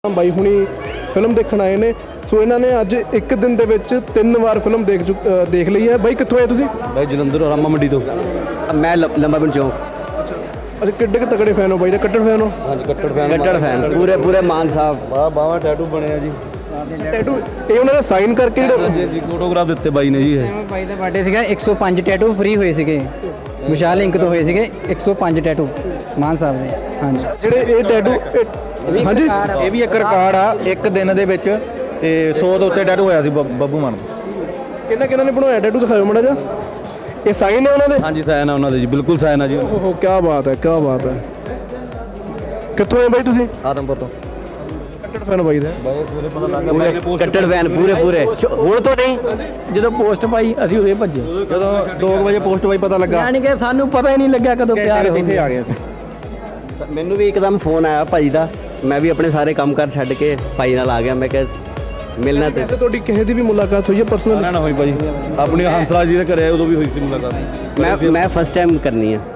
ਬਾਈ ਹੁਣੀ ਫਿਲਮ ਦੇਖਣ ਆਏ ਨੇ। ਸੋ ਇਹਨਾਂ ਨੇ ਅੱਜ ਇੱਕ ਦਿਨ ਦੇ ਵਿੱਚ 3 ਵਾਰ ਫਿਲਮ ਦੇਖ ਲਈ ਹੈ। ਬਾਈ ਕਿੱਥੋਂ ਆਏ ਤੁਸੀਂ? ਬਾਈ ਜਲੰਧਰ ਰਾਮਾ ਮੰਡੀ ਤੋਂ। ਮੈਂ ਲੰਬਾ ਪਿੰਡ ਚੌਂਕ। ਅੱਛਾ ਕਿੱਡੇ ਕੁ ਤਕੜੇ ਫੈਨ ਹੋ ਬਾਈ ਦਾ? ਕੱਟੜ ਫੈਨ ਹੋ? ਹਾਂਜੀ ਕੱਟੜ ਫੈਨ। ਕੱਟੜ ਫੈਨ ਪੂਰੇ ਮਾਨ ਸਾਹਿਬ। ਬਾਵਾ ਟੈਟੂ ਬਣਿਆ ਜੀ। ਟੈਟੂ ਇਹ ਉਹਨਾਂ ਦਾ ਸਾਈਨ ਕਰਕੇ ਜੀ ਜੀ ਫੋਟੋਗ੍ਰਾਫ ਦਿੱਤੇ ਬਾਈ ਨੇ ਜੀ। ਇਹ ਬਾਈ ਦਾ ਬਰਥਡੇ ਸੀਗਾ। 105 ਟੈਟੂ ਫ੍ਰੀ ਹੋਏ ਸੀਗੇ ਵਿਸ਼ਾਲ ਇੰਕ ਤੋਂ ਹੋਏ ਸੀਗੇ। 105 ਟੈਟੂ ਮਾਨ ਸਾਹਿਬ ਦੇ। ਹਾਂਜੀ ਜਿਹੜੇ ਇਹ ਟੈਟੂ ਹਾਂਜੀ ਇਹ ਵੀ ਇੱਕ ਰਿਕਾਰਡ ਆ ਇੱਕ ਦਿਨ ਦੇ ਵਿੱਚ ਤੇ 100 ਤੋਂ ਉੱਤੇ ਟੈਟੂ ਹੋਇਆ ਸੀ ਬੱਬੂ ਮਾਨ ਦਾ। ਕਿਹਨਾਂ ਨੇ ਬਣਾਇਆ ਟੈਟੂ? ਦਿਖਾਓ ਮਾੜਾ ਜਿਹਾ। ਇਹ ਸਾਈਨ ਹੈ ਉਹਨਾਂ ਦੇ? ਹਾਂਜੀ ਸਾਈਨ ਆ ਉਹਨਾਂ ਦੇ ਜੀ, ਬਿਲਕੁਲ ਸਾਈਨ ਆ ਜੀ। ਓਹੋ ਕੀ ਬਾਤ ਹੈ, ਕੀ ਬਾਤ ਹੈ। ਕਿੱਥੋਂ ਆਏ ਬਾਈ ਤੁਸੀਂ? ਆਦਮਪੁਰ ਤੋਂ। ਕੱਟੜ ਫੈਨ ਬਾਈ ਦਾ? ਬਾਈ ਪੂਰੇ ਪਤਾ ਲੱਗ ਗਿਆ ਬਾਈ ਨੇ ਪੋਸਟ ਕੱਟੜ ਫੈਨ ਪੂਰੇ ਹੁਣ ਤੋਂ ਨਹੀਂ। ਜਦੋਂ ਪੋਸਟ ਪਾਈ ਅਸੀਂ ਉਹਦੇ ਭੱਜੇ। ਜਦੋਂ 2 ਵਜੇ ਪੋਸਟ ਬਾਈ ਪਤਾ ਲੱਗਾ ਯਾਨੀ ਕਿ ਸਾਨੂੰ ਪਤਾ ਹੀ ਨਹੀਂ ਲੱਗਿਆ ਕਦੋਂ ਪਿਆਰ ਹੋ ਇੱਥੇ ਆ ਗਏ ਅਸੀਂ। ਮੈਨੂੰ ਵੀ ਇੱਕਦਮ ਫੋਨ ਆਇਆ ਭਾਈ ਦਾ। ਮੈਂ ਵੀ ਆਪਣੇ ਸਾਰੇ ਕੰਮ ਕਾਰ ਛੱਡ ਕੇ ਭਾਈ ਨਾਲ ਆ ਗਿਆ। ਮੈਂ ਕਿਹਾ ਮਿਲਣਾ ਤੇ ਵੈਸੇ ਤੁਹਾਡੀ ਕਿਸੇ ਦੀ ਵੀ ਮੁਲਾਕਾਤ ਹੋਈ ਹੈ ਪਰਸਨਲ? ਨਾ ਹੋਈ ਭਾਈ। ਆਪਣੀ ਹੰਸਰਾਜ ਜੀ ਦੇ ਘਰੇ ਉਦੋਂ ਵੀ ਹੋਈ ਸੀ ਮੁਲਾਕਾਤ। ਮੈਂ ਫਸਟ ਟਾਈਮ ਕਰਨੀ ਆ।